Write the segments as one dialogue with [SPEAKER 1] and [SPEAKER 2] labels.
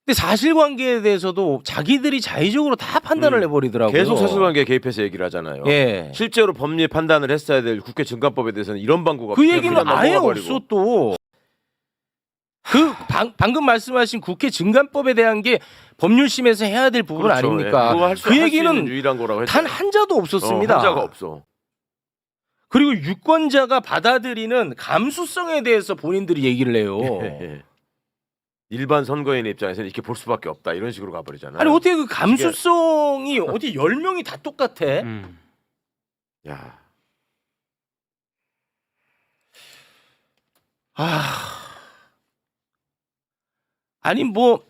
[SPEAKER 1] 근데 사실관계에 대해서도 자기들이 자의적으로 다 판단을 해버리더라고요.
[SPEAKER 2] 계속 사실관계에 개입해서 얘기를 하잖아요.
[SPEAKER 1] 예.
[SPEAKER 2] 실제로 법리 판단을 했어야 될 국회 증감법에 대해서는 이런 방구가
[SPEAKER 1] 그 얘기는 아예
[SPEAKER 2] 넘어가 버리고.
[SPEAKER 1] 없어 또. 그 방금 말씀하신 국회 증감법에 대한 게 법률심에서 해야 될 부분
[SPEAKER 2] 그렇죠.
[SPEAKER 1] 아닙니까?
[SPEAKER 2] 예. 그거 할수
[SPEAKER 1] 그
[SPEAKER 2] 있는
[SPEAKER 1] 얘기는
[SPEAKER 2] 유일한 거라고
[SPEAKER 1] 단 한자도 없었습니다.
[SPEAKER 2] 한자가 없어.
[SPEAKER 1] 그리고 유권자가 받아들이는 감수성에 대해서 본인들이 얘기를 해요.
[SPEAKER 2] 예. 일반 선거인의 입장에서는 이렇게 볼 수밖에 없다 이런 식으로 가버리잖아요.
[SPEAKER 1] 아니 어떻게 그 감수성이 어디 10명이 다 똑같아?
[SPEAKER 2] 야,
[SPEAKER 1] 아니 뭐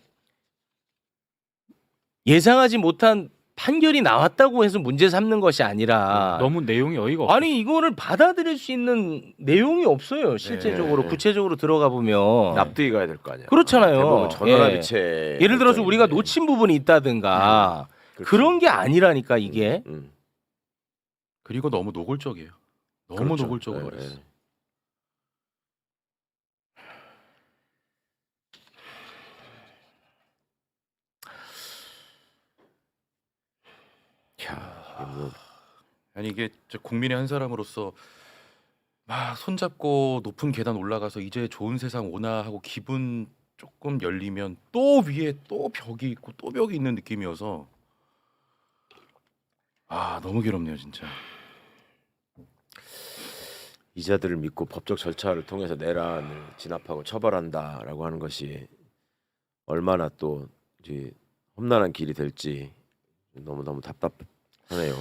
[SPEAKER 1] 예상하지 못한 판결이 나왔다고 해서 문제 삼는 것이 아니라
[SPEAKER 3] 너무 내용이 어이가 없어.
[SPEAKER 1] 아니 이거를 받아들일 수 있는 내용이 없어요. 실제적으로
[SPEAKER 2] 네.
[SPEAKER 1] 구체적으로 들어가 보면
[SPEAKER 2] 납득이 가야 될 거 아니야.
[SPEAKER 1] 그렇잖아요.
[SPEAKER 2] 대부분 전원합의체.
[SPEAKER 1] 예를 들어서 우리가 놓친 부분이 있다든가
[SPEAKER 2] 그렇죠.
[SPEAKER 1] 그런 게 아니라니까 이게.
[SPEAKER 3] 그리고 너무 노골적이에요. 너무
[SPEAKER 2] 그렇죠.
[SPEAKER 3] 노골적으로
[SPEAKER 2] 예,
[SPEAKER 3] 버렸어.
[SPEAKER 2] 예. 야, 이게 뭐
[SPEAKER 3] 아니 이게 국민의 한 사람으로서 막 손잡고 높은 계단 올라가서 이제 좋은 세상 오나 하고 기분 조금 열리면 또 위에 또 벽이 있고 또 벽이 있는 느낌이어서 너무 괴롭네요 진짜.
[SPEAKER 2] 이자들을 믿고 법적 절차를 통해서 내란을 진압하고 처벌한다라고 하는 것이 얼마나 또 이제 험난한 길이 될지 너무 답답하네요.